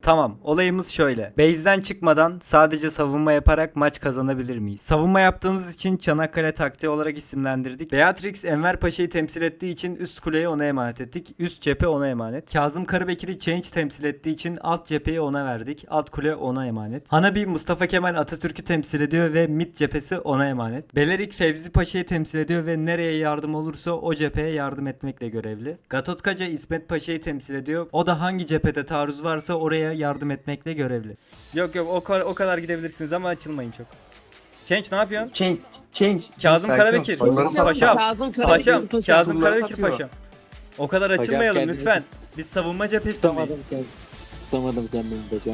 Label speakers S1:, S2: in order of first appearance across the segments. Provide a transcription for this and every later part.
S1: Tamam, olayımız şöyle. Base'den çıkmadan sadece savunma yaparak maç kazanabilir miyiz? Savunma yaptığımız için Çanakkale taktiği olarak isimlendirdik. Beatrix Enver Paşa'yı temsil ettiği için üst kuleyi ona emanet ettik. Üst cephe ona emanet. Kazım Karabekir'i Change temsil ettiği için alt cepheyi ona verdik. Alt kule ona emanet. Hanabi Mustafa Kemal Atatürk'ü temsil ediyor ve mid cephesi ona emanet. Belerik Fevzi Paşa'yı temsil ediyor ve nereye yardım olursa o cepheye yardım etmekle görevli. Gatotkaca İsmet Paşa'yı temsil ediyor. O da hangi cephede taarruz varsa oraya yardım etmekle görevli. Yok o kadar gidebilirsiniz ama açılmayın çok. Change ne yapıyorsun?
S2: Change.
S1: Kazım Karabekir. Paşam.
S3: Kazım
S1: Paşam. Kazım
S2: Bunları
S1: Karabekir
S2: satıyor.
S1: paşam. O kadar açılmayalım lütfen. Biz savunma cephesindeyiz.
S4: Tutamadım kendimi hocam.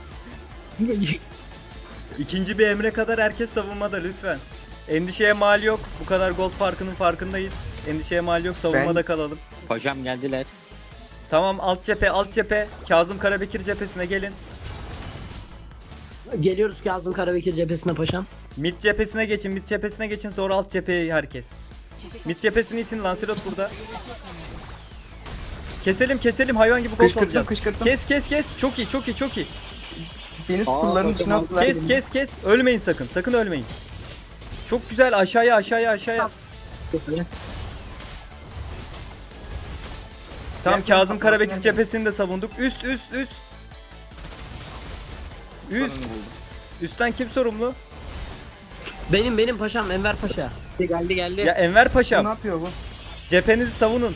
S1: İkinci bir emre kadar herkes savunmada lütfen. Endişeye mal yok. Bu kadar gol farkının farkındayız. Endişeye mal yok. Savunmada kalalım.
S4: Hocam geldiler.
S1: Tamam, alt cephe. Kazım Karabekir cephesine gelin.
S3: Geliyoruz Kazım Karabekir cephesine paşam.
S1: Mid cephesine geçin sonra alt cepheye herkes. Mid cephesini itin, Lancelot burada. Keselim hayvan gibi gol olacağız.
S2: Kışkırttım.
S1: Kes. Çok iyi.
S2: Beni kulların içine attılar.
S1: Kes. Ölmeyin sakın ölmeyin. Çok güzel, aşağıya. Tamam, Kazım Karabekir cephesini de savunduk. Üst. Üstten kim sorumlu?
S3: Benim paşam Enver Paşa.
S4: Geldi.
S1: Ya Enver
S2: Ne
S1: Paşam.
S2: yapıyor bu?
S1: Cephenizi savunun.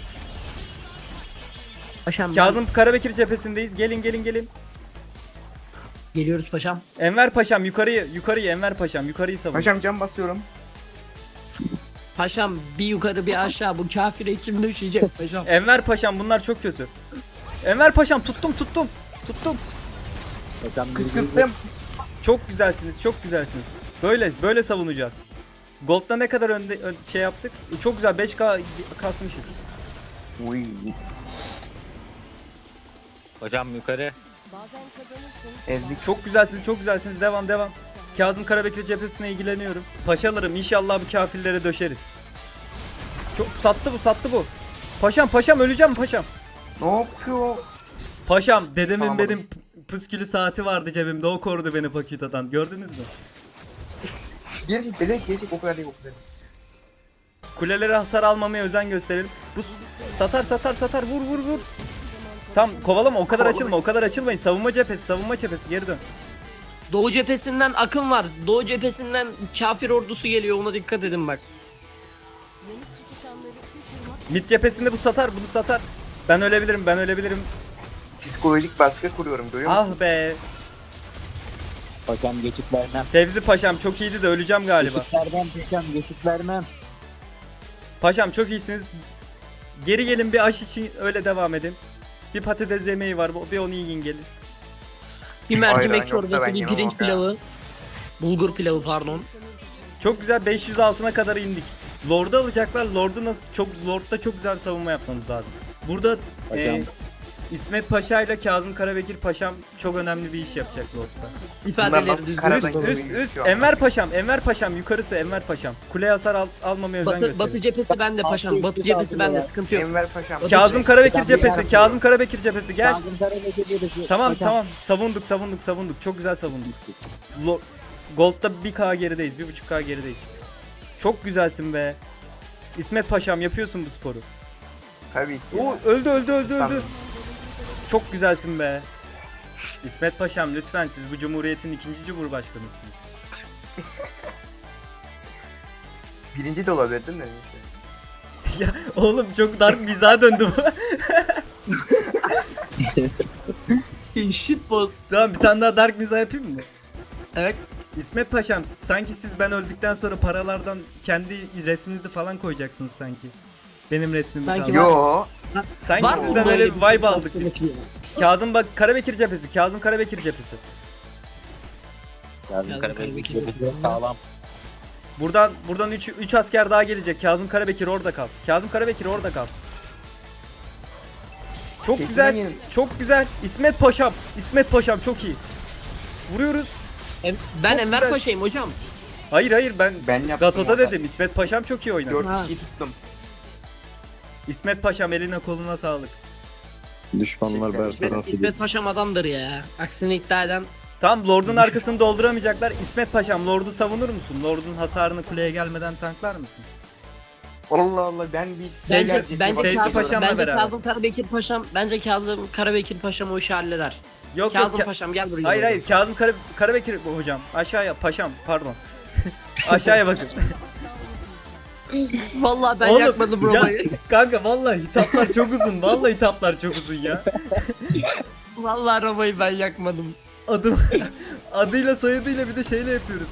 S3: Paşam
S1: Kazım Karabekir cephesindeyiz. Gelin.
S3: geliyoruz paşam.
S1: Enver Paşam yukarıyı Enver Paşam yukarıyı savun.
S2: Paşam cam basıyorum.
S3: Paşam bir yukarı bir aşağı bu kafire kim düşecek paşam.
S1: Enver Paşam bunlar çok kötü. Enver Paşam tuttum.
S4: Hocam
S2: Kışkırttım.
S1: Çok güzelsiniz. Böyle savunacağız. Gold'da ne kadar şey yaptık? Çok güzel 5K kasmışız.
S2: Uy.
S4: Hocam yukarı.
S2: Ezdik.
S1: Çok güzelsiniz. Devam. Kazım Karabekir cephesine ilgileniyorum. Paşalarım, inşallah bu kafirlere döşeriz. Çok sattı bu. Paşam öleceğim paşam.
S2: Ne yapıyor?
S1: Paşam, dedemin
S2: Tamam,
S1: benim püskülü saati vardı cebimde. O korudu beni Pakita'dan. Gördünüz mü?
S2: Gelecek o kadar değil.
S1: Kulelere hasar almamaya özen gösterelim. Bu satar vur. Tam kovalama, o kadar açılmayın. Savunma cephesi geri dön.
S3: Doğu cephesinden akın var. Doğu cephesinden kafir ordusu geliyor, ona dikkat edin bak.
S1: Mid cephesinde bunu satar. Ben ölebilirim.
S2: Psikolojik baskı kuruyorum, görüyor musun?
S1: Ah be.
S4: Hocam geçit vermem.
S1: Fevzi Paşam çok iyiydi de öleceğim galiba.
S4: Geçit vermem.
S1: Paşam çok iyisiniz. Geri gelin, bir aş için öyle devam edin. Bir patates yemeği var, bir onu yiyin gelin.
S3: Bir mercimek
S2: Ayran yoksa
S3: çorbası,
S2: ben
S3: bir
S2: yemem
S3: pirinç
S2: ya.
S3: pilavı. Bulgur pilavı pardon.
S1: Çok güzel, 500 altına kadar indik. Lord'u alacaklar. Lord'da çok güzel bir savunma yapmamız lazım. Burada
S4: Hocam.
S1: İsmet Paşa ile Kazım Karabekir Paşam çok önemli bir iş yapacak Lord'da.
S3: İfadeleri düzgün.
S1: Üst. Enver Paşam yukarısı Enver Paşam. Kule hasar almamaya özen gösterin.
S3: Batı cephesi bende paşam. Batı cephesi bende, sıkıntı yok.
S2: Enver Paşam.
S1: Kazım Karabekir cephesi gel. Tamam.
S4: Hocam.
S1: Savunduk. Çok güzel savunduk. Gold'da 1K gerideyiz. 1.5K gerideyiz. Çok güzelsin be. İsmet Paşam yapıyorsun bu sporu.
S2: Tabii ki.
S1: Oo, öldü.
S2: Tamam.
S1: Çok güzelsin be. İsmet Paşam lütfen, siz bu cumhuriyetin 2. cumhurbaşkanısınız.
S2: Birinci de olabilir değil mi?
S1: Ya oğlum, çok dark mizaha döndü bu.
S3: Shit post.
S1: Tamam, bir tane daha dark mizah yapayım mı?
S3: Evet.
S1: İsmet Paşam, sanki siz ben öldükten sonra paralardan kendi resminizi falan koyacaksınız sanki. Benim resmimi
S3: Sanki
S1: kaldı.
S2: Yo.
S1: Sanki
S3: Var mı
S1: sizden
S3: böyle
S1: öyle bir
S3: bir
S1: vibe aldık biz. Kazım Karabekir cephesi.
S4: Kazım Karabekir cephesi sağlam.
S1: Buradan 3 asker daha gelecek. Kazım Karabekir orada kal. Çok
S2: Kesin
S1: güzel.
S2: yenim.
S1: Çok güzel. İsmet Paşam çok iyi. Vuruyoruz.
S3: Ben
S1: Çok
S3: Enver
S1: güzel.
S3: Paşa'yım hocam.
S1: Hayır ben
S2: Ben yaptım.
S1: Gato'da
S2: orada.
S1: dedim. İsmet Paşam çok iyi oynadı.
S2: 4
S3: Ha.
S2: kişi tuttum.
S1: İsmet Paşam, eline koluna sağlık.
S5: Düşmanlar bertaraf
S3: İsmet,
S5: edildi.
S3: İsmet Paşam adamdır ya. Aksini iddia eden.
S1: Tam Lord'un arkasını dolduramayacaklar. İsmet Paşam Lord'u savunur musun? Lord'un hasarını kuleye gelmeden tanklar mısın?
S2: Allah Allah ben bir
S3: Bence
S1: Teyze
S3: Kazım,
S1: Paşam'la
S3: bence
S1: beraber.
S3: Kazım Karabekir Paşam, bence Kazım Karabekir Paşam o işi halleder.
S1: Yok
S3: Kazım
S1: yok.
S3: Paşam gel buraya.
S1: Hayır hayır. Kazım Karabekir hocam. Aşağıya paşam pardon. Aşağıya bakın.
S3: Vallahi ben
S1: Oğlum,
S3: yakmadım
S1: ya,
S3: Roma'yı.
S1: kanka vallahi hitaplar çok uzun. Vallahi hitaplar çok uzun ya.
S3: Vallahi Roma'yı ben yakmadım.
S1: Adım adıyla soyadıyla bir de şeyle yapıyoruz.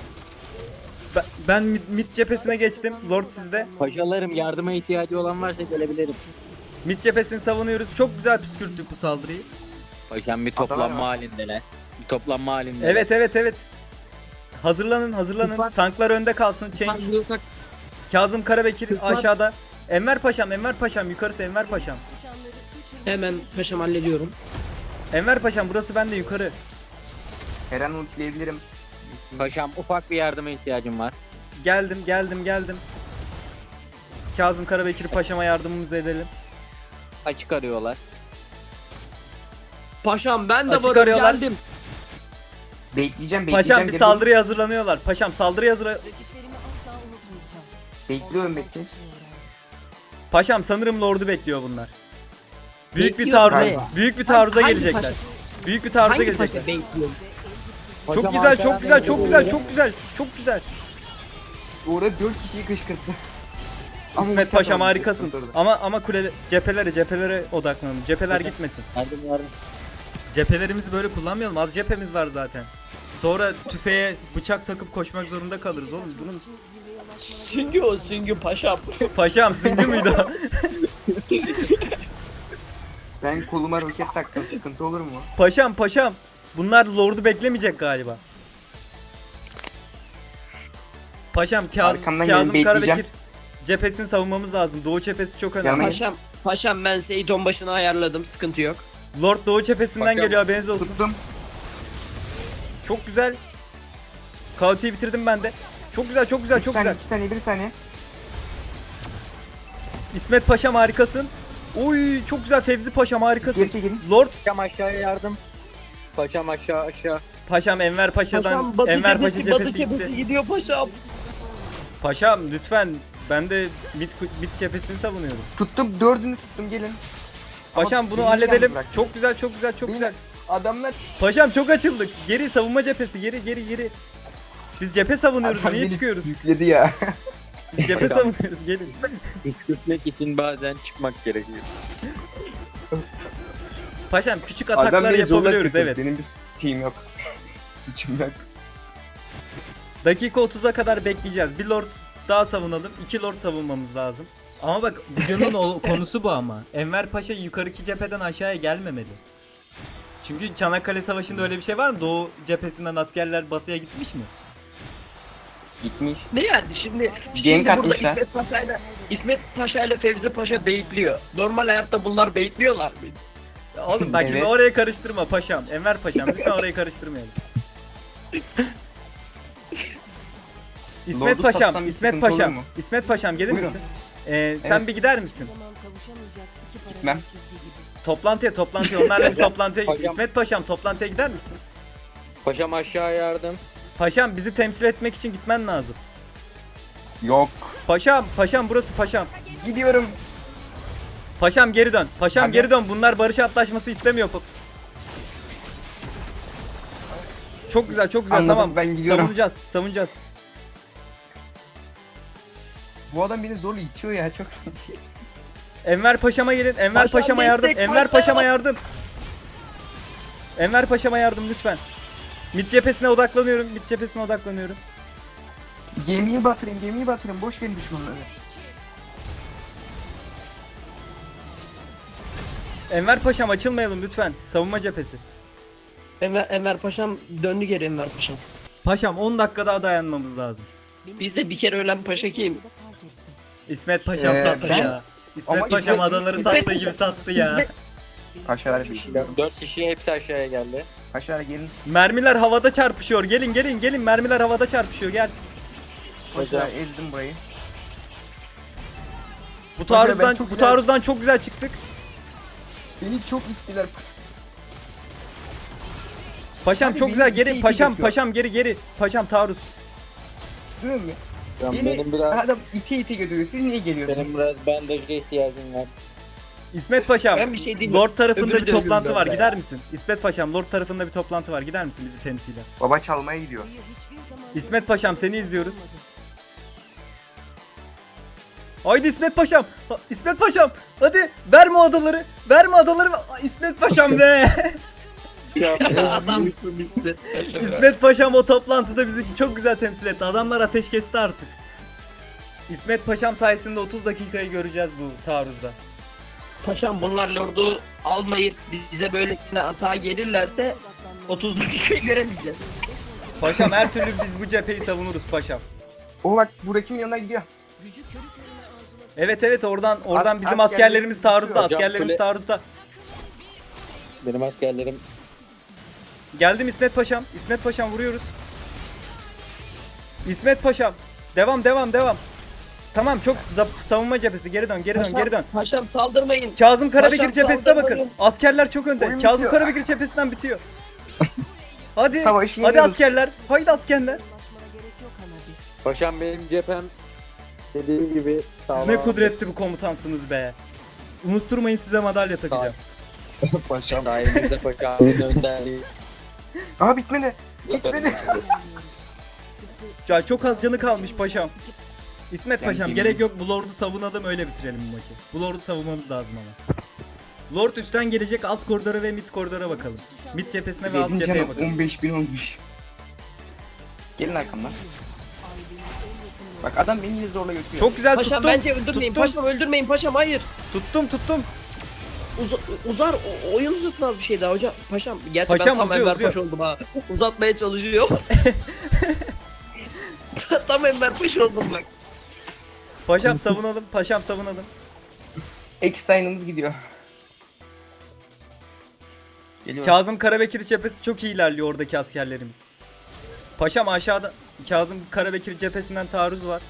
S1: Ben mid cephesine geçtim. Lord sizde.
S4: Paşalarım yardıma ihtiyacı olan varsa gelebilirim.
S1: Mid cephesini savunuyoruz. Çok güzel püskürttük bu saldırıyı.
S4: Paşam bir
S2: Adalar
S4: toplanma
S2: var.
S4: halindeler. Bir toplanma halindeler.
S1: Evet. Hazırlanın.
S3: Lütfen.
S1: Tanklar önde kalsın. Change. Kazım Karabekir
S3: Lütfen.
S1: aşağıda. Enver Paşam yukarısı Enver Paşam.
S3: Hemen paşam hallediyorum.
S1: Enver Paşam burası bende yukarı.
S2: Her an ultileyebilirim.
S4: Paşam ufak bir yardıma ihtiyacım var.
S1: Geldim. Kazım Karabekir Paşam'a yardımımızı edelim.
S4: Açık arıyorlar.
S3: Paşam ben de
S1: Açık
S3: varım
S1: arıyorlar.
S3: geldim.
S2: Bekleyeceğim.
S1: Paşam bir
S2: geri-
S1: saldırıya hazırlanıyorlar. Paşam saldırıya
S2: Bekliyorum.
S1: Paşam sanırım Lord'u bekliyor bunlar. Büyük bir
S3: Bekliyor
S1: taarruza,
S2: galiba.
S1: büyük bir taarruza
S3: Hangi
S1: gelecekler.
S3: paşa?
S1: Büyük bir taarruza
S3: Hangi
S1: gelecekler.
S3: paşa bekliyorum?
S1: Çok güzel.
S2: Orada 4 kişiyi kışkırttı. Ama
S1: İsmet
S2: ulti
S1: Paşam
S2: atamadım,
S1: harikasın.
S2: kışkırttırdı.
S1: Ama cephelere odaklanalım. Cepheler gitmesin.
S4: Yardım.
S1: Cephelerimizi böyle kullanmayalım. Az cephemiz var zaten. Sonra tüfeğe bıçak takıp koşmak zorunda kalırız oğlum. Bunun
S3: Süngü o süngü paşam.
S1: paşam süngü müydü o?
S2: Ben koluma roket taktım. Sıkıntı olur mu?
S1: Paşam. Bunlar Lord'u beklemeyecek galiba. Paşam
S2: Arkamdan gelin,
S1: Kazım
S2: bekleyeceğim.
S1: Karabekir cephesini savunmamız lazım. Doğu cephesi çok önemli.
S2: Yanına-
S3: Paşam ben Seyton başına ayarladım sıkıntı yok.
S1: Lord Doğu cephesinden
S4: Paşam.
S1: geliyor haberiniz olsun.
S2: Tuttum.
S1: Çok güzel. Kaoti'yi bitirdim ben de. Çok güzel.
S2: 2 saniye 1 saniye.
S1: İsmet Paşam harikasın. Oy çok güzel Fevzi Paşam harikasın.
S2: Geri çekilin.
S1: Lord
S4: Paşam aşağıya yardım. Paşam aşağı.
S1: Paşam Enver Paşa'dan
S3: Paşam batı
S1: Enver Paşa
S3: cephesi, batı
S1: cephesi
S3: cephesi
S1: gitti.
S3: gidiyor paşam.
S1: Paşam lütfen ben de mid cephesini savunuyorum.
S2: Tuttum 4'ünü tuttum gelin.
S1: Paşam
S2: Ama
S1: bunu
S2: beni
S1: halledelim.
S2: yalnız bırak.
S1: Çok güzel.
S2: Beni- Adamlar
S1: Paşam çok açıldık. Geri savunma cephesi. Geri. Biz cephe savunuyoruz.
S2: Adam
S1: Niye
S2: beni
S1: çıkıyoruz?
S2: Yükledi ya.
S1: Biz cephe savunuyoruz. Gelin.
S4: Püskürtmek için bazen çıkmak gerekiyor.
S1: Paşam küçük
S2: Adam
S1: ataklar
S2: beni zorla
S1: yapabiliyoruz
S2: kırdı.
S1: evet.
S2: Benim bir şeyim yok. Suçum yok.
S1: Dakika 30'a kadar bekleyeceğiz. Bir lord daha savunalım. 2 lord savunmamız lazım. Ama bak videonun konusu bu ama. Enver Paşa yukarıki cepheden aşağıya gelmemeli. Çünkü Çanakkale Savaşı'nda öyle bir şey var mı? Doğu cephesinden askerler batıya gitmiş mi?
S2: Gitmiş.
S3: Ne yani şimdi
S2: Gank
S3: burada
S2: atmışlar.
S3: İsmet Paşa ile Fevzi Paşa beyitliyor. Normal hayatta bunlar beyitliyorlar mı?
S1: Oğlum bak şimdi
S2: Evet.
S1: oraya karıştırma paşam. Enver Paşam lütfen orayı karıştırmayalım. İsmet
S2: Lord'u
S1: Paşam,
S2: satsam bir
S1: İsmet
S2: sıkıntı olur
S1: Paşam,
S2: mu?
S1: İsmet Paşam gelir
S2: Buyurun.
S1: misin? Sen
S2: Evet.
S1: bir gider misin?
S2: Gitmem.
S1: Toplantıya onlarla bir toplantıya git.
S4: Paşam.
S1: İsmet Paşam toplantıya gider misin?
S4: Paşam aşağı yardım.
S1: Paşam bizi temsil etmek için gitmen lazım.
S2: Yok.
S1: Paşam burası paşam.
S2: Gidiyorum.
S1: Paşam geri dön. Paşam
S2: Hadi.
S1: geri dön. Bunlar barış antlaşması istemiyor. Çok güzel
S2: Anladım,
S1: tamam.
S2: ben gidiyorum.
S1: Savunacağız.
S2: Bu adam beni zorla itiyor ya çok.
S1: Enver Paşam'a gelin. Enver
S3: Paşam
S1: Paşam'a yardım.
S3: destek,
S1: Enver
S3: paşam.
S1: Paşam'a yardım. Enver Paşam'a yardım lütfen. Mid cephesine odaklanıyorum.
S2: Gemiyi batırın. Boş verin düşmanları.
S1: Enver Paşam açılmayalım lütfen. Savunma cephesi.
S3: Enver Paşam döndü geri Enver Paşam.
S1: Paşam 10 dakika daha dayanmamız lazım.
S3: Bizde bir kere ölen paşa kim?
S1: İsmet Paşam sattı
S2: ben-
S1: ya. İsmet
S2: Ama
S1: Paşam
S2: İsmet-
S1: adaları
S2: İsmet-
S1: sattığı gibi sattı ya.
S2: Aşağılara bir
S4: 4 kişi hepsi aşağıya geldi.
S2: Aşağıya gelin.
S1: Mermiler havada çarpışıyor. Gelin. Mermiler havada çarpışıyor. Gel.
S2: Aşağı ezdim burayı.
S1: Bu
S2: Paşa, ben
S1: taarruzdan
S2: çok
S1: bu
S2: güzel-
S1: taarruzdan çok güzel çıktık.
S2: Beni çok ittiler.
S1: Paşam
S2: Abi
S1: çok
S2: beni
S1: güzel
S2: iti
S1: geri.
S2: iti
S1: Paşam
S2: götürüyor.
S1: paşam geri. Paşam taarruz.
S2: Değil mi?
S4: Benim biraz
S2: Adam iti götürüyor. Siz niye geliyorsunuz?
S4: benim biraz bandaja ihtiyacım var.
S1: İsmet Paşam.
S3: Ben bir şey diyeyim.
S1: Lord tarafında
S3: Öbürü
S1: bir
S3: de
S1: toplantı
S3: öbürü
S1: var.
S3: de.
S1: Gider misin? İsmet Paşam Lord tarafında bir toplantı var. Gider misin bizi temsilen?
S2: Baba çalmaya gidiyor.
S1: İsmet Paşam seni izliyoruz. Haydi İsmet Paşam. İsmet Paşam. Hadi verme o adaları. Verme adaları. İsmet Paşam be.
S3: Adam bitti.
S1: İsmet Paşam o toplantıda bizi çok güzel temsil etti. Adamlar ateş kesti artık. İsmet Paşam sayesinde 30 dakikayı göreceğiz bu taarruzda.
S3: Paşam bunlar lordu almayıp bize böylesine asa gelirlerse 30 dakikayı göremeyeceğiz.
S1: Paşam her türlü biz bu cepheyi savunuruz paşam.
S2: O bak buradakinin yanına gidiyor.
S1: Evet oradan bizim
S2: askerlerimiz
S1: askerlerimiz taarruzda.
S4: Hocam,
S1: Askerlerimiz
S4: kule-
S1: taarruzda.
S4: Benim askerlerim
S1: Geldim İsmet Paşam. İsmet Paşam vuruyoruz. İsmet Paşam. Devam. Tamam çok savunma cephesi. Geri dön.
S3: Paşam saldırmayın.
S1: Kazım Karabekir
S3: Paşam,
S1: cephesine bakın.
S3: saldırmayın.
S1: Askerler çok önde.
S2: Oyun
S1: Kazım
S2: bitiyor.
S1: Karabekir cephesinden bitiyor. Hadi.
S2: Savaşı
S1: Hadi
S2: yeniyoruz.
S1: askerler. Haydi askerler.
S4: paşam benim cephem dediğim gibi
S1: Siz
S4: sağlam.
S1: ne kudretli bir komutansınız be. Unutturmayın size madalya takacağım.
S2: Paşam.
S4: Sayenizde paşamın önderliği.
S2: Aa bitmedi. Bitmedi.
S1: Ya çok az canı kalmış paşam. İsmet
S2: Yani
S1: Paşam
S2: yemin-
S1: gerek yok bu Lord'u savunalım öyle bitirelim bu maçı. Bu Lord'u savunmamız lazım ama. Lord üstten gelecek alt koridora ve mid koridora bakalım. Mid cephesine ve alt
S2: Benim
S1: cepheye
S2: canım
S1: bakalım.
S2: 15.000 olmuş. Gelin arkamdan. Bak adam beni zorla götürüyor.
S1: Çok güzel
S3: Paşam
S1: tuttum.
S3: bence öldürmeyin.
S1: tuttum.
S3: Paşam öldürmeyin. Paşam hayır.
S1: Tuttum.
S3: Uzar oyun uzasın az bir şey daha hocam. Paşam gerçi
S1: Paşam
S3: ben tam
S1: uzuyor,
S3: Enver
S1: uzuyor.
S3: Paşa oldum ha. Uzatmaya çalışıyor. Tam Enver Paşa oldum bak.
S1: Paşam savunalım. Paşam savunalım.
S2: Eckstein'ımız gidiyor. Geliyor.
S1: Kazım Karabekir cephesi çok iyi ilerliyor oradaki askerlerimiz. Paşam aşağıda Kazım Karabekir cephesinden taarruz var.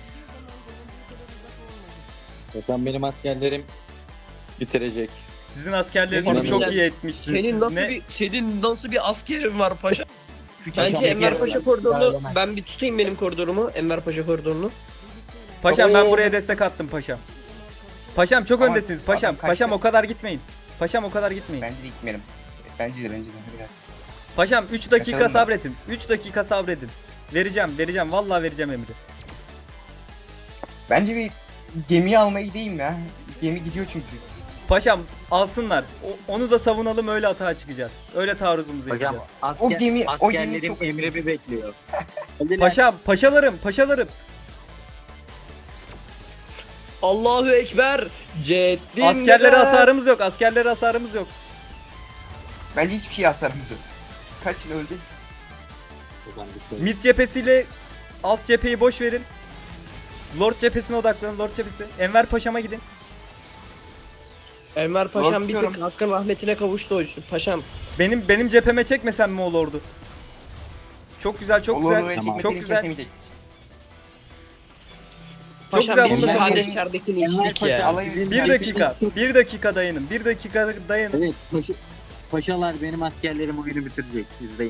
S4: Paşam benim askerlerim bitirecek.
S1: Sizin askerleriniz
S2: Paşam,
S1: çok
S3: sen-
S1: iyi etmişsiniz.
S3: Senin nasıl bir askerin var paşa?
S2: Küçük
S3: Bence
S2: paşam
S3: Enver
S2: geliyor.
S3: Paşa koridorunu ben bir tutayım benim koridorumu. Enver Paşa koridorunu.
S1: Paşam ben
S4: Oo.
S1: buraya destek attım paşam. Paşam çok
S2: Ama
S1: öndesiniz
S2: adam
S1: paşam.
S2: kaçtı.
S1: Paşam o kadar gitmeyin. Paşam o kadar gitmeyin.
S2: Bence de gitmeyelim. Bence de biraz.
S1: Paşam 3 dakika
S2: Kaçalım mı?
S1: sabredin. 3 dakika sabredin. Vereceğim. Vallahi vereceğim emri.
S2: Bence bir gemiyi almaya gideyim ya. Gemi gidiyor çünkü.
S1: Paşam alsınlar. Onu da savunalım öyle atağa çıkacağız. Öyle taarruzumuzu
S4: Hocam
S1: yapacağız.
S2: O gemi
S4: askerlerim
S2: çok-
S4: emrimi bekliyor. Hadi lan.
S1: Paşam, paşalarım.
S3: Allahu Ekber. Ceddin
S1: Askerlere hasarımız yok.
S2: Bence hiçbir şey hasarımız yok. Kaç yıl öldü?
S1: Mid cephesiyle alt cepheyi boş verin. Lord cephesine odaklanın. Lord cephesi. Enver Paşam'a gidin.
S3: Enver Paşam bir tık
S2: Korkuyorum.
S3: hakkın rahmetine kavuştu paşam.
S1: Benim cepheme çekmesen mi o Lord'u? Çok güzel.
S4: Tamam.
S1: Çok güzel.
S2: Kesemeyecek.
S1: Çok
S3: Paşam
S1: güzel,
S3: biz
S1: bunu da
S3: sade
S2: benim-
S3: içeridekini
S4: Enver
S3: içtik
S4: Paşa,
S3: ya.
S2: Alayım.
S4: sizin
S1: 1 dakika.
S4: cepheniz-
S1: 1 dakika dayanın. 1 dakika dayanın.
S4: Evet, paşalar benim askerlerim oyunu bitirecek. İzleyin.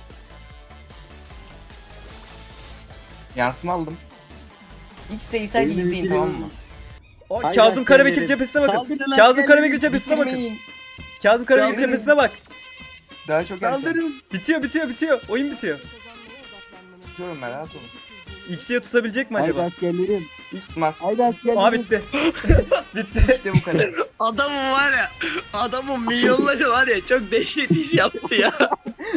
S2: Yansıma aldım. İlk sayısaydı
S4: Oyunu
S2: izleyin
S4: bitiriyorum.
S2: tamam mı?
S1: O,
S4: Haydi
S1: Kazım Karabekir
S4: askerlerim.
S1: cephesine bakın.
S4: Saldırın
S1: Kazım
S4: askerlerim.
S1: Karabekir cephesine bakın.
S2: Bitirmeyin.
S1: Kazım Karabekir
S2: Saldırın.
S1: cephesine bak.
S2: Daha çok erken.
S4: Saldırın.
S1: Bitiyor. Oyun bitiyor.
S2: Tutuyorum ben rahat olun.
S1: X'ye tutabilecek mi
S4: Haydi
S1: acaba?
S4: askerlerim.
S2: Tutmaz.
S4: Haydi askerlerim.
S1: Aa bitti. Bitti.
S2: İşte bu kadar.
S3: Adamın var ya, adamın milyonları var ya çok dehşet iş yaptı ya.